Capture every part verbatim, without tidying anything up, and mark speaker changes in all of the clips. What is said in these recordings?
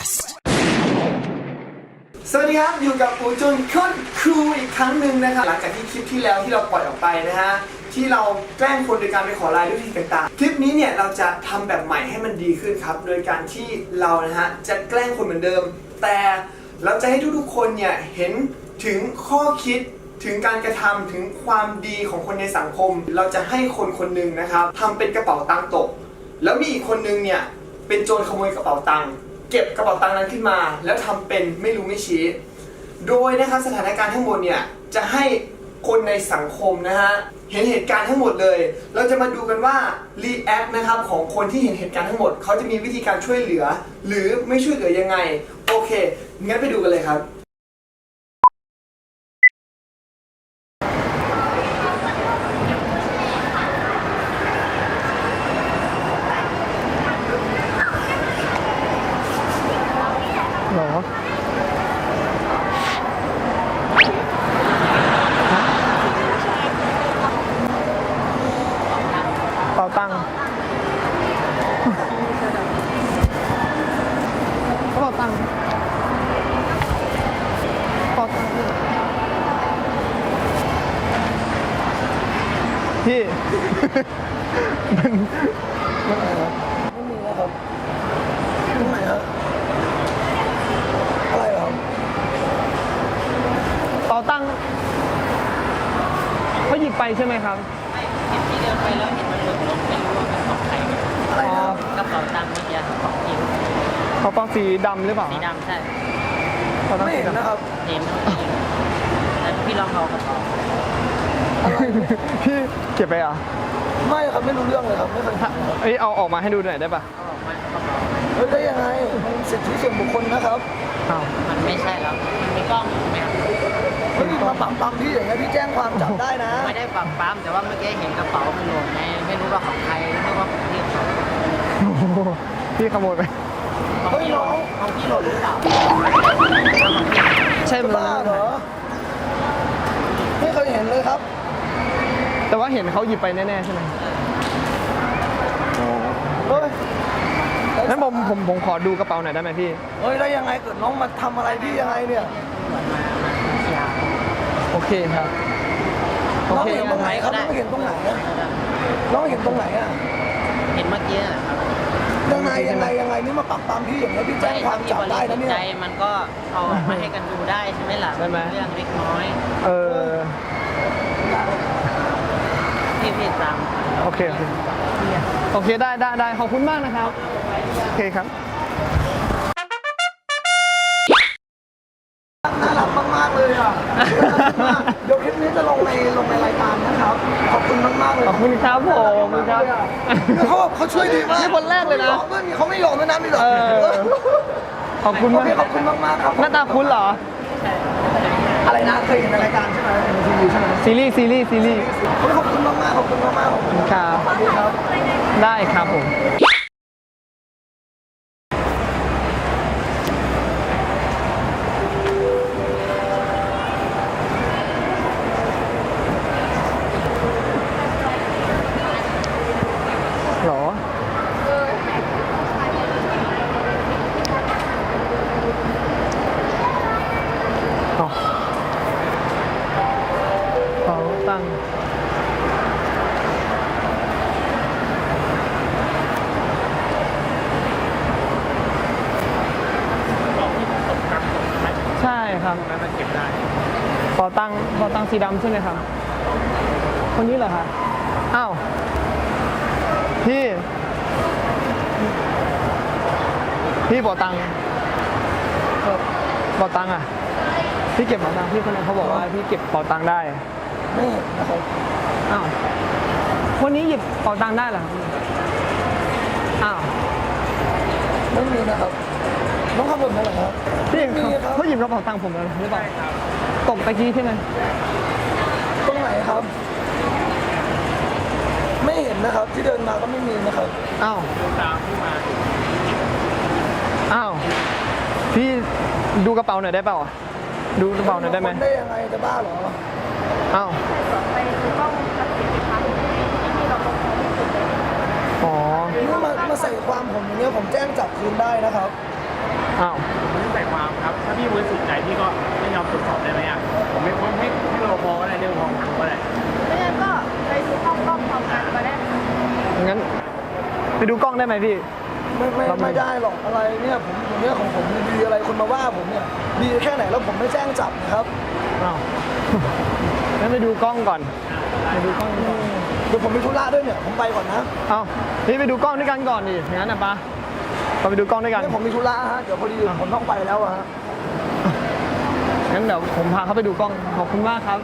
Speaker 1: Podcast
Speaker 2: สวัสดีครับอยู่กับปูจุนโคตรคูลอีกครั้งหนึ่งนะครับหลังจากที่คลิปที่แล้วที่เราปล่อยออกไปนะฮะที่เราแกล้งคนโดยการไปขอไลน์ด้วยวิธีต่างๆคลิปนี้เนี่ยเราจะทำแบบใหม่ให้มันดีขึ้นครับโดยการที่เรานะฮะจะแกล้งคนเหมือนเดิมแต่เราจะให้ทุกๆคนเนี่ยเห็นถึงข้อคิดถึงการกระทำถึงความดีของคนในสังคมเราจะให้คนคนหนึ่งนะครับทำเป็นกระเป๋าตังค์ตกแล้วมีอีกคนนึงเนี่ยเป็นโจรขโมยกระเป๋าตังค์เก็บกระเป๋าตังค์นั้นขึ้นมาแล้วทำเป็นไม่รู้ไม่ชี้โดยนะครับสถานการณ์ทั้งหมดเนี่ยจะให้คนในสังคมนะฮะเห็นเหตุการณ์ทั้งหมดเลยเราจะมาดูกันว่ารีแอคนะครับของคนที่เห็นเหตุการณ์ทั้งหมดเขาจะมีวิธีการช่วยเหลือหรือไม่ช่วยเหลือยังไงโอเคงั้นไปดูกันเลยครับหรอเป่าตังค์เป่าตังค์เป่าตังค์พี่ มันมันอะไรวะไม่มีแล้วครับตรงไหนครับอะไรเหรอเป่าตังค์เขาหยิบไปใช่ไหมครับ
Speaker 3: เห็นที่เดินไปแล้วเห็นมันหล่นลงไม่รู้ว่าเป็นของใครอะไรนะกระเป๋าตังค์เมื่อกี้ของยิว
Speaker 2: เขาต้องสีดำหรือเปล่า
Speaker 3: สีดำใช่
Speaker 2: ไม่เห็นนะครับ
Speaker 3: เห็นแล้วพี่ลองเอากระเป๋า
Speaker 2: พี่เก็บไปอ่ะไม่ครับไม่รู้เรื่องเลยครับไม่เคยเอ้ยเอาออกมาให้ดูหน่อยได้ป่ะ
Speaker 3: เอาออกมากระเป๋า
Speaker 2: เฮ้ยได้ยังไงมันสิทธิส่วนบุคคลนะครับอ้าว
Speaker 3: มันไม่ใช่แล้วมันมีกล้องอยู่ไหม
Speaker 2: เฮ้ยมาปั๊มปั๊มพี่อย่างเงี้ยพี่แจ้งความจับได้นะ
Speaker 3: ไม่ได้ปั๊มปั๊มแต่ว่าเมื่อกี้เห็นกระเป๋ามันหล่นไงไม่รู้ว่าของใครไม่รู้ว่าของพี่เขา
Speaker 2: พี่ขโมยไป
Speaker 3: ของพี่หล่นของพี่หล่นหรือเปล่า
Speaker 2: ใช่บ้าเหรอไม่เคยเห็นเลยครับแต่ว่าเห็นเขาหยิบไปแน่ๆใช่ไหมเฮ้ยงั้นผมผมผมขอดูกระเป๋าหน่อยได้ไหมพี่เฮ้ยได้ยังไงเกิดน้องมาทำอะไรพี่ยังไงเนี่ยโอเคครับโอเคเห็นตรงไหนครับน้องเห็นตรงไหนน้องเห็นตรงไหนอ่ะ
Speaker 3: เห็นเมื่อกี้นะครับ
Speaker 2: ยังไงยังไงยังไงนี่มาปรับตามพี่อย่างนี้พี่แจ้งความจับได้นะเนี่ย
Speaker 3: ใจมันก็เอามาให้กันดูได้ใช่ไหมล่ะ
Speaker 2: ใช่ไหม
Speaker 3: เรื่องเล็กน้อย
Speaker 2: เออ
Speaker 3: พี่พี่ตาม
Speaker 2: โอเคโอเคโอเคได้ได้ได้ขอบคุณมากนะครับโอเคครับน่ารักมากๆเลยอ่ะเดี๋ยวคลิปนี้จะลงในลงในรายการนะครับขอบคุณมากๆเลย
Speaker 3: ขอบคุณครับผมขอบคุณครับ
Speaker 2: เขาเขาช่วยดีมาก
Speaker 3: นี่คนแรกเลยนะ
Speaker 2: เขาไม่ยอมด้วยนะพี่ดอกขอบคุณมากขอบคุณมากๆครับ
Speaker 3: หน้าตาคุ้นเหรอ
Speaker 2: อะไรนะเคยเห็นในรายการใช่ไหมทีวีใช่ไหม
Speaker 3: ซีรีส์ซีรีส์ซีรีส์
Speaker 2: ขอบคุณมากๆขอบคุณมากๆขอบคุณ
Speaker 3: ครับได้ครับผม
Speaker 2: หรออ๋อเขาตั้งใช่ครับนั้นเก็บได้พอตั้งพอตั้งสีดำใช่ไหมครับคนนี้เหรอครับอ้าวพี่พี่บอกตังค์บอกตังค์อ่ะพี่เก็บบอกตังค์พี่คนนั้นเขาบอกว่าพี่เก็บบอกตังค์ได้ไม่นะครับอ้าวคนนี้หยิบบอกตังค์ได้เหรออ้าวไม่มีนะครับน้องขับรถมาเหรอครับพี่เขาหยิบกระเป๋าตังค์ผมแล้วหรือเปล่าตกตะกี้ใช่ไหมตรงไหนครับไม่เห็นนะครับที่เดินมาก็ไม่มีนะครับอ้าวตามพี่มาอ้าวพี่ดูกระเป๋าหน่อยได้เปล่าดูกระเป๋าหน่อยได้ไหมได้ยังไงจะบ้าเหรออ้าวไปดูกล้องวงจรปิดนะคะที่เราอ๋อนี่มามาใส่ความผมอย่างเงี้ยผมแจ้งจับคืนได้นะครับ
Speaker 1: อ้าว
Speaker 4: ผมไม่ได้ใส่ความครับ ถ้าพี่บริสุทธิ์ใจพี่ก็ไม่ยอมตรวจสอบได้ไหมอ่ะผมไม่ผมให้ให้รปภก็ได้เรียกรปภผมก็ได้
Speaker 3: ไม่งั้นก็ไปดูห้องกล้องพร้อมกันก็ได้
Speaker 1: งั้นไปดูกล้องได้ไหมพี่
Speaker 5: ไม่ไม่ไม่ได้หรอกอะไรเนี่ยผมผมเนี่ยของผมดีอะไรคนมาว่าผมเนี่ยดีแค่ไหนแล้วผมไม่แจ้งจับนะครับ
Speaker 1: อ้าว งั้นไปดูกล้องก่อน ไปดูกล้องก่อน
Speaker 5: เดี๋ยวผมมีธุระด้วยเนี่ยผมไปก่อนนะ
Speaker 1: เอ้าพี่ไปดูกล้องด้วยกันก่อนดิงั้นนะปะเราไปดูกล้องด้วยกัน
Speaker 5: เนี่ยผมมีธุระฮะเดี๋ยวพอดีผมต้องไปแล้วอะฮะ
Speaker 1: งั้นเดี๋ยวผมพาเขาไปดูกล้อง ขอบคุณมากครับ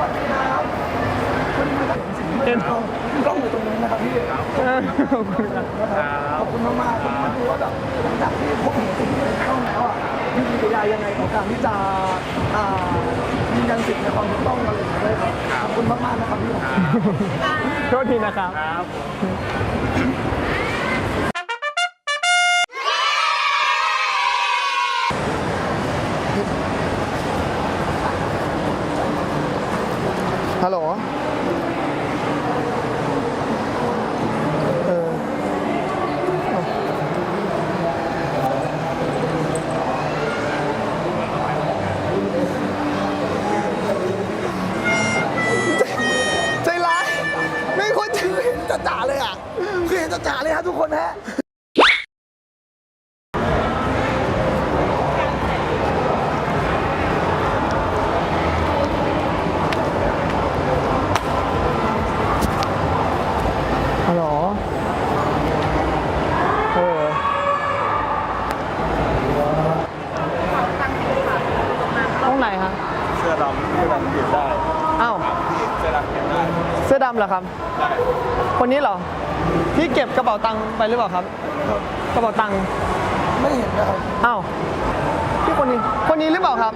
Speaker 1: เห็น
Speaker 5: กล้องกล้องอยู่ตรงนี้นะครับพี่
Speaker 1: เออขอบคุณครับ
Speaker 5: ขอบคุณมากๆผมมาดูว่าแบบหลังจากที่พบเห็นสิ่งที่ในกล้องแล้วอ่ะมีกิริยายังไงของการที่จะอ่ายืนยันสิทธิ์ในความถูกต้องอะไรอย่างเงี้ยเลยครับขอบคุณมากๆนะครับพี่
Speaker 1: โทษทีนะครับ
Speaker 4: ครับ
Speaker 1: ฮัลโหล เออใจร้ายไม่ควร
Speaker 5: คือเห็นจ่าๆเลยอ่ะคือเห็นจ่าๆเลยฮะทุกคนฮะ
Speaker 1: ฮัลโหลเออห้องไหนฮะ
Speaker 4: เสื้อดำเสื้อดำเก็บได้
Speaker 1: อ้าว
Speaker 4: เสื้อดำเก็บได้
Speaker 1: เสื้อดำเหรอครับ คนนี้เหรอ พี่เก็บกระเป๋าตังค์ไปหรือเปล่าครับ กระเป๋าตังค์
Speaker 5: ไม่เห็นนะครับ
Speaker 1: อ้าว พี่คนนี้ คนนี้หรือเปล่าครับ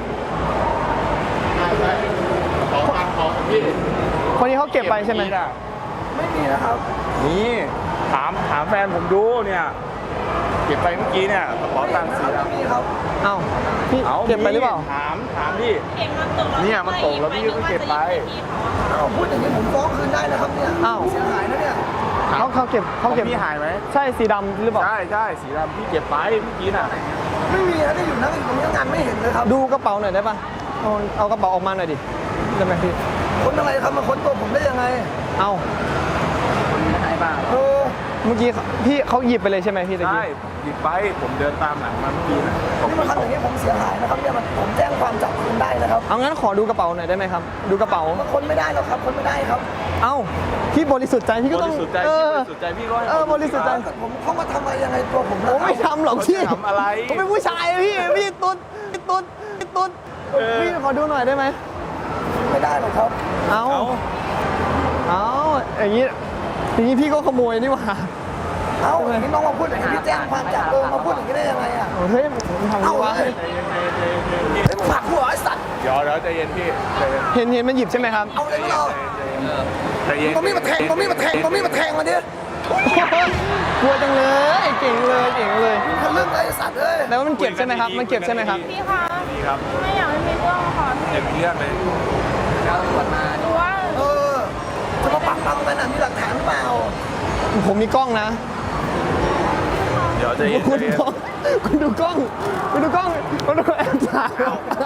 Speaker 4: ของทางของพี่
Speaker 1: คนนี้เขาเก็บไปใช่ไหม
Speaker 5: ไม่มีนะครับ
Speaker 4: นี่ถามถามแฟนผมดูเนี่ยเก็บไปเมื่อกี้เนี่ยกระเป๋าตังค์สี
Speaker 5: ไม่
Speaker 4: ดำ
Speaker 5: มีครับ
Speaker 1: อ้าว พี่
Speaker 4: เอา
Speaker 1: เก็บไปหรือเปล่า
Speaker 4: ถามถามพี่
Speaker 3: เห็นมันตก
Speaker 4: เนี่ยมันตกแล้วพี่ก็เก็บไป
Speaker 5: เอาพูดอย่างนี้ผมฟ้องคืนได้นะครับเนี่ย
Speaker 1: อ้าว
Speaker 5: เสียหายนะเนี่ย
Speaker 1: เขาเขาเก็บเขาเก็บ
Speaker 4: ของพี่หายไหม
Speaker 1: ใช่สีดำหรือเปล่า
Speaker 4: ใช่ใช่สีดำพี่เก็บไปเมื่อกี้น่ะ
Speaker 5: ไม่มีนะที่อยู่นั่งอยู่ตรงนี้งานไม่เห็นเลยครับ
Speaker 1: ดูกระเป๋าหน่อยได้ปะเอาเอากระเป๋าออกมาหน่อยดิ ได้ไหมพี่
Speaker 5: คนอะไรครับมาค้นตัวผมได้ยังไง
Speaker 1: เอา
Speaker 5: เออ
Speaker 1: เมื่อกี้เขาพี่เขาหยิบไปเลยใช่ไหมพี่ตะ
Speaker 4: ใช่
Speaker 1: กี้
Speaker 4: หยิบไปผมเดินตามหลังมาเมื่อกี้น่ะผม
Speaker 5: นี่มาทำอย่างนี้ผมเสียหายนะครับเนี่ยมันผมแจ้งความจับคืนได้นะครับ
Speaker 1: เอางั้นขอดูกระเป๋าหน่อยได้ไหมครับ ดูกระเป๋า
Speaker 5: มาค้นไม่ได้หรอกครับค้นไม่ได้ครับ
Speaker 1: เอ้า พี่บริสุทธิ์ใจพี่ก็
Speaker 4: บ
Speaker 1: ต้อง
Speaker 4: ริสุทธิ์ใจ
Speaker 1: เอ
Speaker 4: พี่บ
Speaker 1: อ
Speaker 4: ริสุทธิ์ใจพี่ก็ให้
Speaker 1: เออบริสุทธิ์ใจ
Speaker 5: ถ้าเกิดผมเข้ามาทำอะไรยังไงตัวผม
Speaker 1: ผมไม่ทำหรอกพี่
Speaker 4: ทำอะไร
Speaker 1: ผมเป็นผู้ชายอะพี่ พี่ตุ๊ดพี่ตุ๊ดพี่ตุ๊ด
Speaker 4: เออ
Speaker 1: พี่ขอดูหน่อยได้ไหม
Speaker 5: ไม่ได้หรอกครับ
Speaker 1: เอา
Speaker 4: เอา
Speaker 1: เอาอย่างนี้ อย่างนี้พี่ก็ขโมยนี่หว่า
Speaker 5: เอ้าอย่างนี้น้องมาพูดอย่างนี้พี่แจ้งความจับเออมาพูดอย่างนี้ได้ยังไงอ่ะ
Speaker 1: เฮ้ยผมทำนี่วะ
Speaker 5: เอาเลย
Speaker 4: ใจเย็นใจเย็นใจเย็นใจเย็นพี่
Speaker 5: ไอ้ยมึงผลักหัวไอ้สัตว์
Speaker 4: เดี๋ยวเดี๋ยวใจเย็นพี่ใจเย็น
Speaker 1: เห็นเห็นมันหยิบใช่ไหมครับ
Speaker 5: เอาเลยก็รอ
Speaker 4: ใจเย็น
Speaker 5: มันมีมาแทงมันมีมาแทงมันมีมาแทงมาดิ
Speaker 1: กลัวจังเลย เก่งเลย เก่งเลย
Speaker 5: ทะลึ่งเลยไอ้สัตว์เอ้ย
Speaker 1: แล้วมันเก็บใช่ไหมครับ มันเก็บใช่ไหมครับ
Speaker 3: พี่คะ
Speaker 4: นี่ครับ
Speaker 3: ไม่อยากให้มีเรื่องค่ะ
Speaker 4: เต็มเรื่องเลย
Speaker 3: ดูว่า
Speaker 5: เออจะมาปักปั๊มกันอ่ะมีหลักฐานหรือเปล่า
Speaker 1: ผมมีกล้องนะ
Speaker 4: เดี๋ยวใจเย็น
Speaker 1: คุณ
Speaker 4: ใจเย็น
Speaker 1: กล้องคุณดูกล้อง คุณดูกล้องคุณดูแอบถ่าย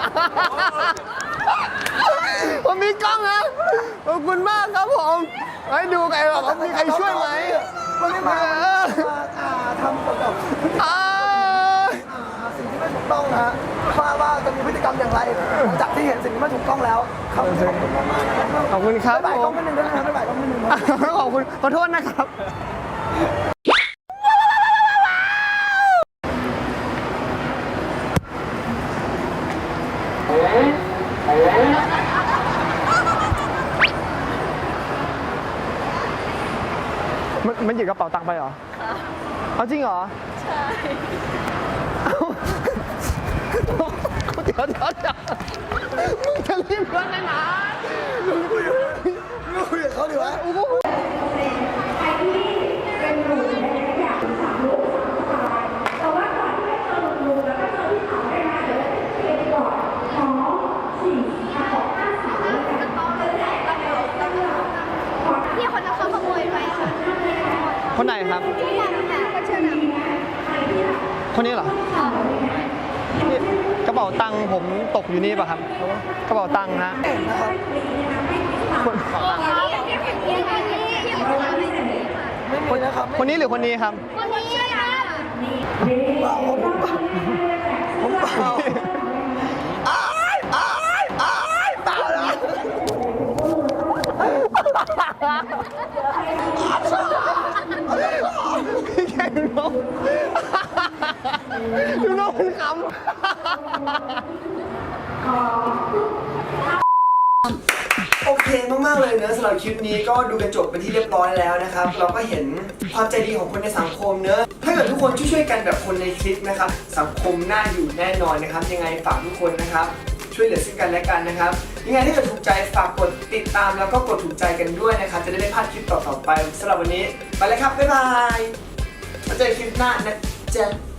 Speaker 1: ผมมีกล้องนะขอบคุณมากครับผมให้ดูไงหรอกมีใครช่วยไหม
Speaker 5: มันไม่มา
Speaker 1: เออ
Speaker 5: มาอ่าทำกับ
Speaker 1: อ่า
Speaker 5: อ่าสิ่งที่ไม่ถูกต้องนะฮะว่าว่าจะมีพฤติกรรมอย่างไรหลังจากที่เห็นสิ่งที่ไม่ถูกต้องแล้วครับขอบคุณมากๆนะครับ
Speaker 1: ขอบคุณครับ
Speaker 5: บ๊ายบาย
Speaker 1: ผ
Speaker 5: กล้อ
Speaker 1: ม
Speaker 5: งนิดนึงด้วยนะครับบ๊ายบายกล้องนิดนึงนะ
Speaker 1: ขอบคุณขอโทษนะครับ มันมันหยิบกระเป๋าตังค์ไปเหรอเอาจริงเหรอ
Speaker 3: ใช่
Speaker 1: เดี๋ยวเดี๋ยวเดี๋ยวมึงจะรีบเงินเลยนะ
Speaker 5: คุยกับเขาดีวะ
Speaker 6: พี่คนนั้นเขาขโมยไปค่ะ
Speaker 1: คนไหนครับ
Speaker 6: ที่บอกค่ะก็เชื่อนะ
Speaker 1: คนนี้เหรอ
Speaker 6: ค่ะ
Speaker 1: ป๋าตังค์ผมตกอยู่นี่ป่ะครับ กระเป๋าตังค์ฮะ
Speaker 5: เห็นนะครับ ไม่มีนะครับ
Speaker 1: คนนี้หรือคนนี้ครับ
Speaker 6: คนนี้ครับ
Speaker 5: เปล่าผมเปล่าผมเปล่าอ้ายอ้ายอ้ายเปล่าเลย
Speaker 1: พี่แกดูน้องดูน้องมันขำ
Speaker 2: โอเคมากๆเลยนะสำหรับคลิปนี้ก็ดูกันจบเป็นที่เรียบร้อยแล้วนะครับเราก็เห็นความใจดีของคนในสังคมเนอะถ้าเกิดทุกคนช่วยๆกันแบบคนในคลิปนะครับสังคมน่าอยู่แน่นอนนะครับยังไงฝากทุกคนนะครับช่วยเหลือซึ่งกันและกันนะครับยังไงถ้าเกิดถูกใจฝากกดติดตามแล้วก็กดถูกใจกันด้วยนะครับจะได้ไม่พลาดคลิปต่อๆไปสำหรับวันนี้ไปเลยครับบ๊ายบายมาเจอคลิปหน้านะจ๊ะ